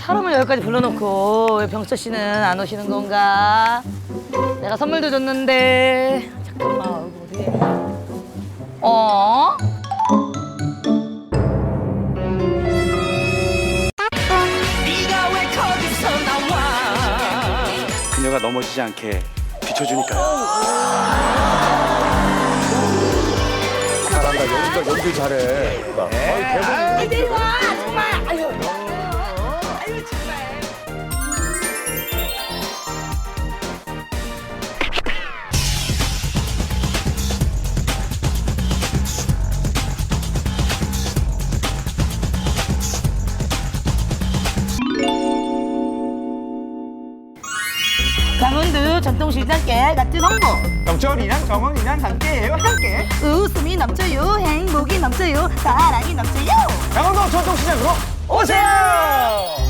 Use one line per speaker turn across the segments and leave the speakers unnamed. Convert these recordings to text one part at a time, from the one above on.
사람을 여기까지 불러놓고 왜 병철 씨는 안 오시는 건가? 내가 선물도 줬는데. 잠깐만, 여기 어디? 어?
그녀가 넘어지지 않게 비춰주니까요.
잘한다. 연기 잘해.
이리 와, 정말. 아유, 아유 정말. 강원도 전통시장께 같은 홍보.
정철이랑 정원이랑 함께해요. 함께.
웃음이 넘쳐요, 행복이 넘쳐요, 사랑이 넘쳐요.
강원도 전통시장으로 오세요.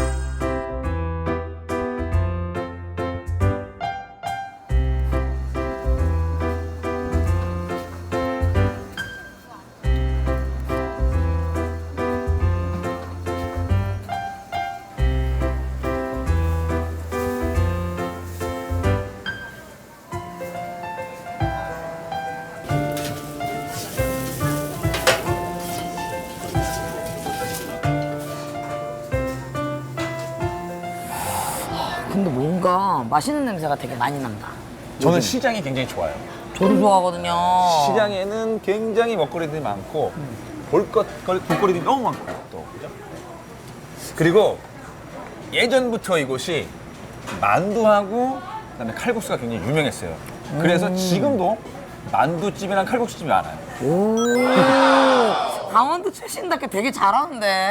근데 뭔가 맛있는 냄새가 되게 많이 난다.
저는 시장이 굉장히 좋아요.
저도 좋아하거든요.
시장에는 굉장히 먹거리들이 많고 볼거리들이 너무 많고 또 그죠? 그리고 예전부터 이곳이 만두하고 그다음에 칼국수가 굉장히 유명했어요. 그래서 지금도 만두집이랑 칼국수집이 많아요.
오, 강원도 출신답게 되게 잘하는데.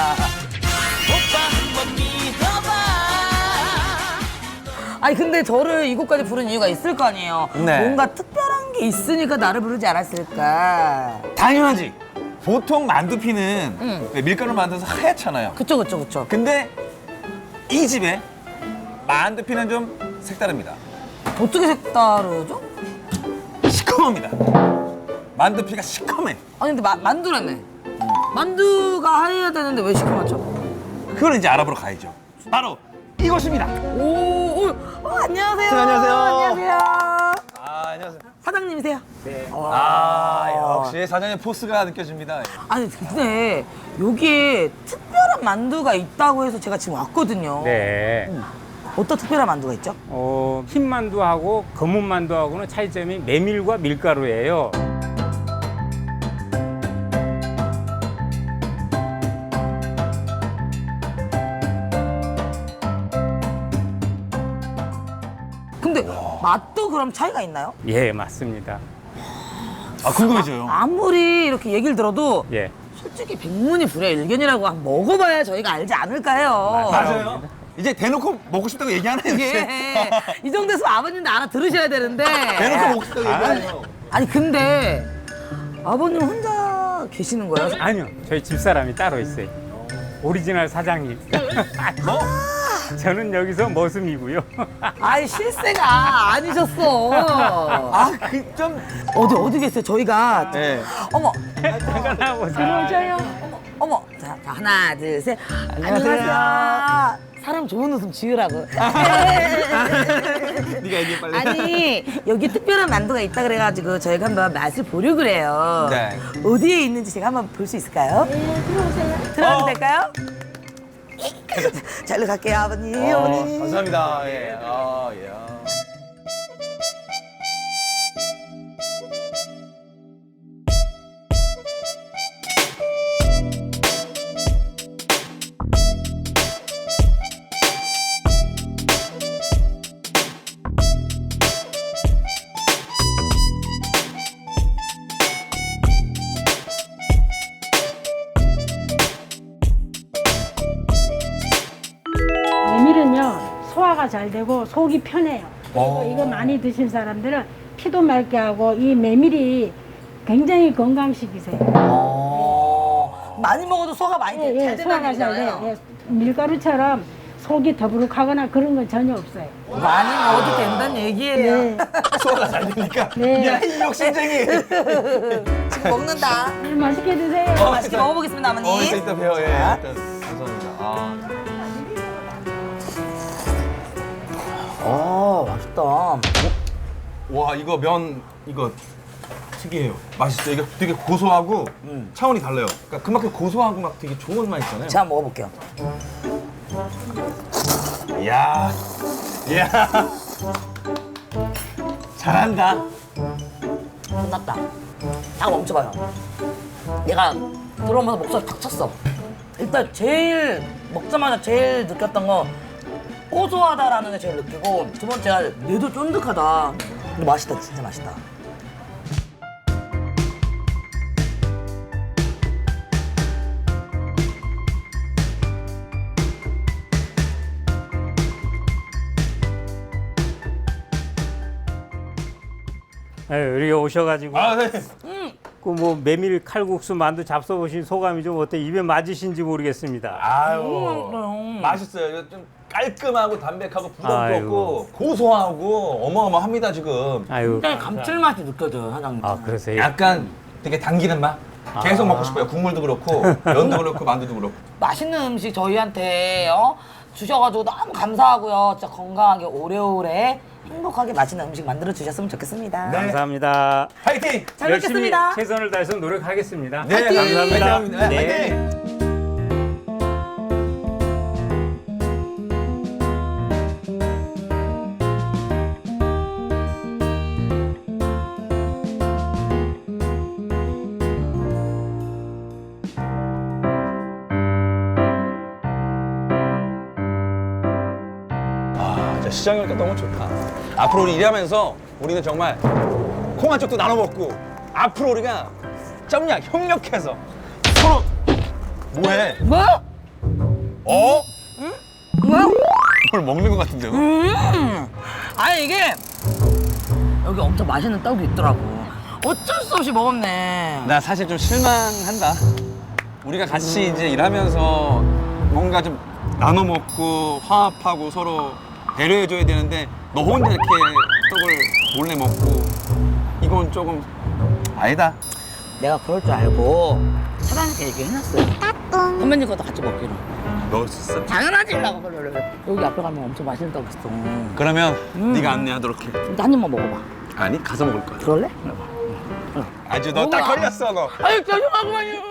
아니 근데 저를 이곳까지 부른 이유가 있을 거 아니에요.
네.
뭔가 특별한 게 있으니까 나를 부르지 않았을까.
당연하지. 보통 만두피는 왜 밀가루 만들어서 하얗잖아요.
그쵸 그쵸 그쵸.
근데 이 집에 만두피는 좀 색다릅니다.
어떻게 색다르죠?
시커멉니다. 만두피가 시커매.
아니 근데 만두라며. 만두가 하얘야 되는데 왜 시커멓죠?
그걸 이제 알아보러 가야죠. 바로 이곳입니다.
오, 안녕하세요.
안녕하세요.
안녕하세요.
안녕하세요.
사장님이세요?
역시 사장님 포스가 느껴집니다.
아니 근데 여기에 특별한 만두가 있다고 해서 제가 지금 왔거든요.
네.
어떤 특별한 만두가 있죠?
흰 만두하고 검은 만두하고는 차이점이 메밀과 밀가루예요.
근데 맛도 그럼 차이가 있나요?
예, 맞습니다.
궁금해져요.
아무리 이렇게 얘기를 들어도
예.
솔직히 백문이불여일견이라고 한번 먹어봐야 저희가 알지 않을까요?
맞아요. 이제 대놓고 먹고 싶다고 얘기하네요. 이제.
예. 이 정도에서 아버님도 알아들으셔야 되는데.
대놓고 먹고 싶다고 얘기하네요.
아니 근데 아버님 혼자 계시는 거예요?
아니요, 저희 집사람이 따로 있어요. 오리지널 사장님.
뭐?
저는 여기서 머슴이고요.
아이 실세가 아니셨어.
좀.
어디 계세요? 저희가
네.
어머
잠깐 나와보세요.
어머 자 하나 둘 셋
안녕하세요.
사람 좋은 웃음 지으라고.
네가 얘기해 빨리.
아니 여기 특별한 만두가 있다 그래가지고 저희가 한번 맛을 보려고 그래요.
네.
어디에 있는지 제가 한번 볼 수 있을까요? 네, 들어오세요. 들어가도 될까요? 자, 일로 갈게요, 아버님. 어머니.
감사합니다. 예. 예.
메밀은요 소화가 잘 되고 속이 편해요. 그리고 이거 많이 드신 사람들은 피도 맑게 하고 이 메밀이 굉장히 건강식이세요.
많이 먹어도 소화가 많이 잘
소화가
된다는
잘 돼요.
얘기잖아요.
밀가루처럼 속이 더부룩하거나 그런 건 전혀 없어요.
많이 먹어도 된다는 얘기예요.
네.
소화가 잘 되니까.
네.
야, 이 욕심쟁이.
지금 먹는다.
맛있게 드세요.
맛있게 먹어보겠습니다, 어머니.
이따 봬요. 예. 일단 감사합니다. 와 이거 면 이거 특이해요. 맛있어요. 이게 되게 고소하고 차원이 달라요. 그러니까 그만큼 고소하고 막 되게 좋은 맛 있잖아요.
제가 한번 먹어볼게요.
이야, 이야, 잘한다.
끝났다. 잠깐 멈춰봐요. 얘가 들어오면서 목소리 탁 쳤어. 일단 제일 먹자마자 제일 느꼈던 건 고소하다라는 게 제일 느끼고 두 번째가 얘도 쫀득하다. 근데 맛있다, 진짜 맛있다.
여기 오셔가지고
아, 네.
그 뭐 메밀 칼국수 만두 잡숴보신 소감이 좀 어때? 입에 맞으신지 모르겠습니다.
아유, 맛있어요. 이거 좀 깔끔하고 담백하고 부담도
아이고.
없고 고소하고 어마어마합니다 지금.
아유,
굉장히 감칠맛이 느껴져요, 사장님.
아 그러세요?
약간 되게 당기는 맛. 계속 먹고 싶어요. 국물도 그렇고 면도 그렇고 만두도 그렇고.
맛있는 음식 저희한테 주셔가지고 너무 감사하고요. 진짜 건강하게 오래오래 행복하게 맛있는 음식 만들어 주셨으면 좋겠습니다.
네.
감사합니다.
파이팅!
잘
열심히
먹겠습니다.
최선을 다해서 노력하겠습니다.
네,
감사합니다.
감사합니다.
네.
파이팅! 진짜 시장이 오니까 너무 좋다. 앞으로 우리 일하면서 우리는 정말 콩 한쪽도 나눠 먹고 앞으로 우리가 점냐 협력해서 서로 뭐해?
뭐?
어?
뭐야?
뭘 먹는 것 같은데요?
아니 이게 여기 엄청 맛있는 떡이 있더라고. 어쩔 수 없이 먹었네.
나 사실 좀 실망한다. 우리가 같이 이제 일하면서 뭔가 좀 나눠 먹고 화합하고 서로 배려해줘야 되는데 너 혼자 이렇게 떡을 몰래 먹고 이건 조금 아니다.
내가 그럴 줄 알고 사장님께 얘기해놨어요. 선배님 것도 같이 먹기로.
먹을 수 있어?
당연하지. 라고 여기 앞에 가면 엄청 맛있는 떡 있어.
그러면 네가 안내하도록 해.
일단 한 입만 먹어봐.
아니 가서 먹을 거야.
그럴래?
아주 너 딱 걸렸어 너.
아유 죄송하구만요.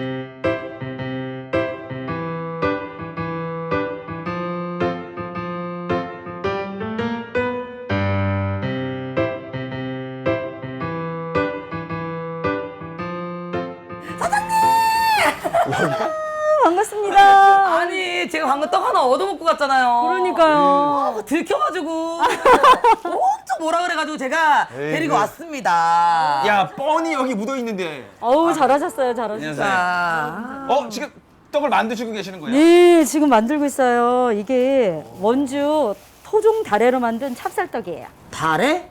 반갑습니다.
아니 제가 방금 떡 하나 얻어먹고 갔잖아요.
그러니까요.
들켜가지고 엄청 뭐라 그래가지고 제가 데리고 왔습니다.
야 뻔히 여기 묻어 있는데.
어우, 잘하셨어요, 잘하셨어요.
자,
지금 떡을 만드시고 계시는 거예요?
네, 지금 만들고 있어요. 이게 원주 토종 다래로 만든 찹쌀떡이에요.
달에?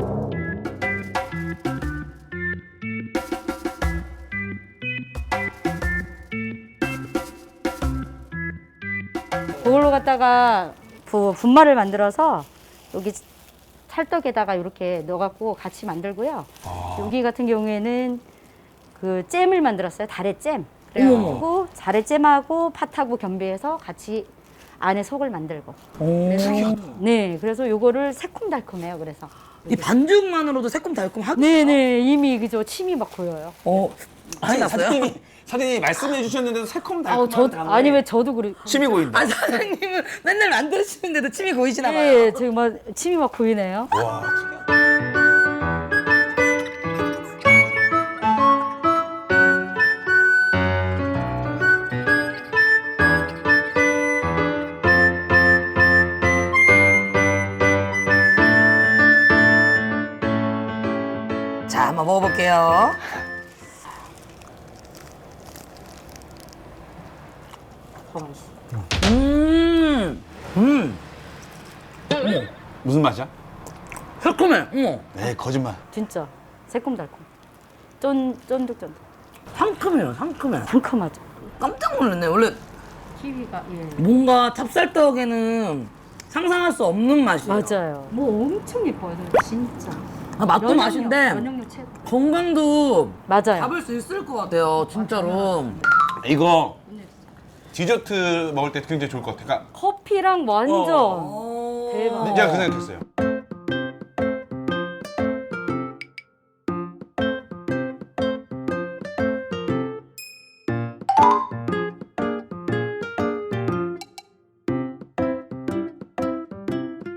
그걸로 갖다가 분말을 만들어서 여기 찰떡에다가 이렇게 넣어갖고 같이 만들고요. 여기 같은 경우에는 그 잼을 만들었어요. 다래잼. 그래가지고 다래잼하고 팥하고 겸비해서 같이 안에 속을 만들고. 그래서 네, 그래서 요거를 새콤달콤해요. 그래서
이 반죽만으로도 새콤달콤하고.
네네, 이미 그죠, 침이 막 고여요.
아니 났어요?
사장님이 말씀해 주셨는데도 새콤달콤한
아니 왜 저도 그래.
침이 고인다.
아 사장님은 맨날 만드시는데도 침이 고이시나 봐요.
네, 지금 막 침이 막 고이네요.
와 특이하다.
자 한번 먹어볼게요.
무슨 맛이야?
새콤해. 어머.
네 거짓말.
진짜 새콤달콤. 쫀득쫀득.
상큼해요. 상큼해.
상큼하죠.
깜짝 놀랐네. 원래
키위가 예.
뭔가 찹쌀떡에는 상상할 수 없는 맛이에요.
맞아요. 뭐 엄청 예뻐요, 진짜.
아, 맛도 맛인데
면역력 최고.
건강도
맞아요.
잡을 수 있을 것 같아요. 진짜로.
이거 디저트 먹을 때 굉장히 좋을 것 같아. 그러니까
커피랑 완전
어.
대박.
제가 그 생각했어요.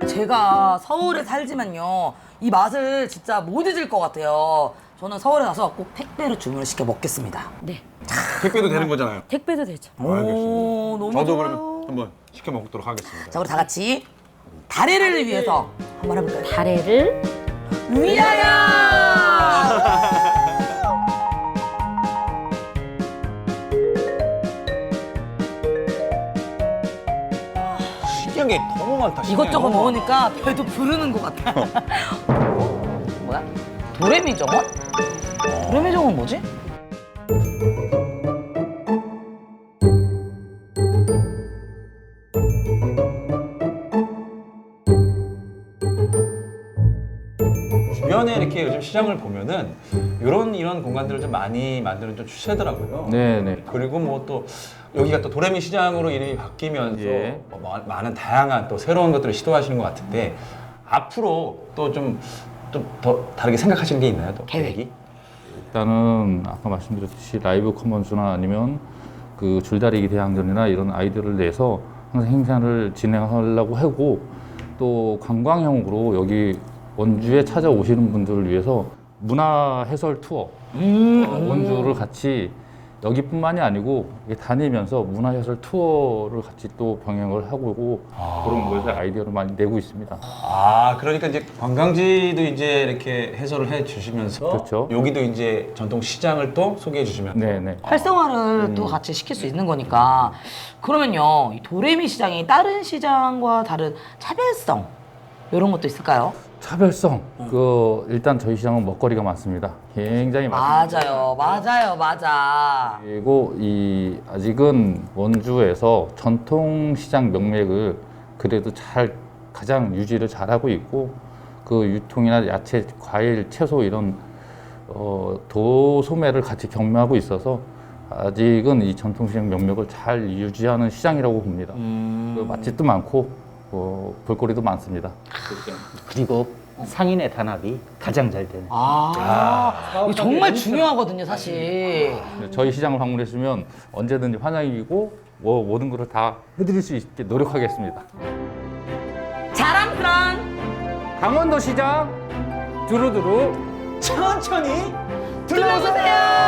제가 서울에 살지만요 이 맛을 진짜 못 잊을 것 같아요. 저는 서울에 가서 꼭 택배로 주문을 시켜 먹겠습니다.
네.
택배도 되는 거잖아요.
택배도 되죠.
오, 너무
저도
좋아요.
그러면 한번 시켜 먹도록 하겠습니다.
자, 우리 다 같이 다래를 위해서 한번 해볼까요?
다래를
위하여!
신기한 게 너무 많다.
이것저것 먹으니까 배도 부르는 것 같아. 뭐야? 도레미정원? 도레미정원 뭐지?
주변에 이렇게 요즘 시장을 보면은 이런 공간들을 좀 많이 만드는 좀 추세더라고요.
네네.
그리고 뭐 또 여기가 또 도레미 시장으로 이름이 바뀌면서
예.
뭐 많은 다양한 또 새로운 것들을 시도하시는 것 같은데 앞으로 또 좀 더 다르게 생각하시는 게 있나요? 또 계획이?
일단은 아까 말씀드렸듯이 라이브 커먼스나 아니면 그 줄다리기 대항전이나 이런 아이디어를 내서 항상 행사를 진행하려고 하고 또 관광형으로 여기 원주에 찾아오시는 분들을 위해서 문화 해설 투어 원주를 같이 여기뿐만이 아니고 이렇게 다니면서 문화 해설 투어를 같이 또 병행을 하고 그런 것에 아이디어를 많이 내고 있습니다.
아, 그러니까 이제 관광지도 이제 이렇게 해설을 해 주시면서
그렇죠.
여기도 이제 전통 시장을 또 소개해 주시면서
네네.
활성화를 또 같이 시킬 수 있는 거니까. 그러면요, 이 도레미 시장이 다른 시장과 다른 차별성 이런 것도 있을까요?
차별성. 일단 저희 시장은 먹거리가 많습니다. 굉장히 많습니다.
맞아.
그리고 아직은 원주에서 전통 시장 명맥을 그래도 가장 유지를 잘하고 있고 그 유통이나 야채, 과일, 채소 이런 도소매를 같이 경매하고 있어서 아직은 이 전통 시장 명맥을 잘 유지하는 시장이라고 봅니다. 그 맛집도 많고 볼거리도 많습니다.
그리고 상인의 단합이 가장 잘 되는.
이거 정말 중요하거든요, 사실.
저희 시장을 방문했으면 언제든지 환영이고 모든 것을 다 해드릴 수 있게 노력하겠습니다.
자랑스런
강원도 시장 두루두루
천천히 둘러보세요.